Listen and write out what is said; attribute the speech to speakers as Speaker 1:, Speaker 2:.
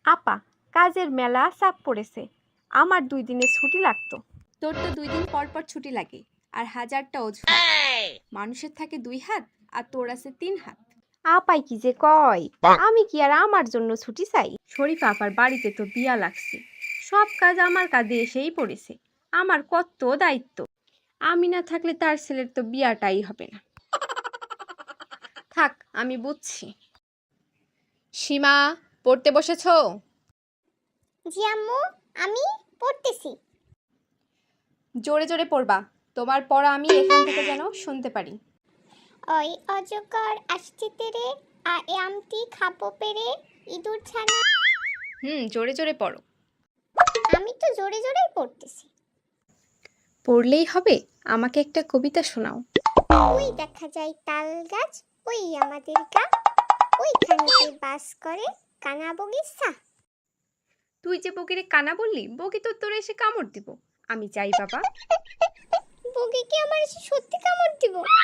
Speaker 1: আপা, কাজের মেলা চাপ পড়েছে, আমার 2 দিনের ছুটি লাগতো।
Speaker 2: তোর তো 2 দিন পর পর ছুটি লাগে, আর হাজারটা অজুহাত। মানুষের থাকে 2 হাত, আর তোর আছে 3 হাত।
Speaker 1: আপাই কি যে কয়, আমি কি আর আমার জন্য ছুটি চাই?
Speaker 2: শরীফা আপার বাড়িতে তো বিয়া লাগছে, সব কাজ আমার কাঁধে এসেই পড়েছে। আমার কত দায়িত্ব, আমি না থাকলে তার ছেলের তো বিয়াটাই হবে না। থাক, আমি বুঝছি। সীমা, পড়তে বসেছো?
Speaker 3: জি আম্মু, আমি পড়তেছি।
Speaker 2: জোরে জোরে পড়বা, তোমার পড়া আমি এখান থেকে যেন শুনতে পারি।
Speaker 3: ওই অজগর আসছে তেরে, আমটি খাবো পেরে, ইঁদুর ছানা।
Speaker 2: জোরে জোরে পড়ো।
Speaker 3: আমি তো জোরে জোরেই পড়তেছি।
Speaker 2: পড়লেই হবে, আমাকে একটা কবিতা শোনাও।
Speaker 3: ওই দেখা যায় তাল গাছ, ওই আমাদের গা, ওইখানেতে বাস করে কানা বগিচা।
Speaker 2: তুই যে বগিরে কানা বললি, বগি তো তোর এসে কামড় দিব। আমি চাই বাবা।
Speaker 3: বগি কি আমার এসে সত্যি কামড় দিব?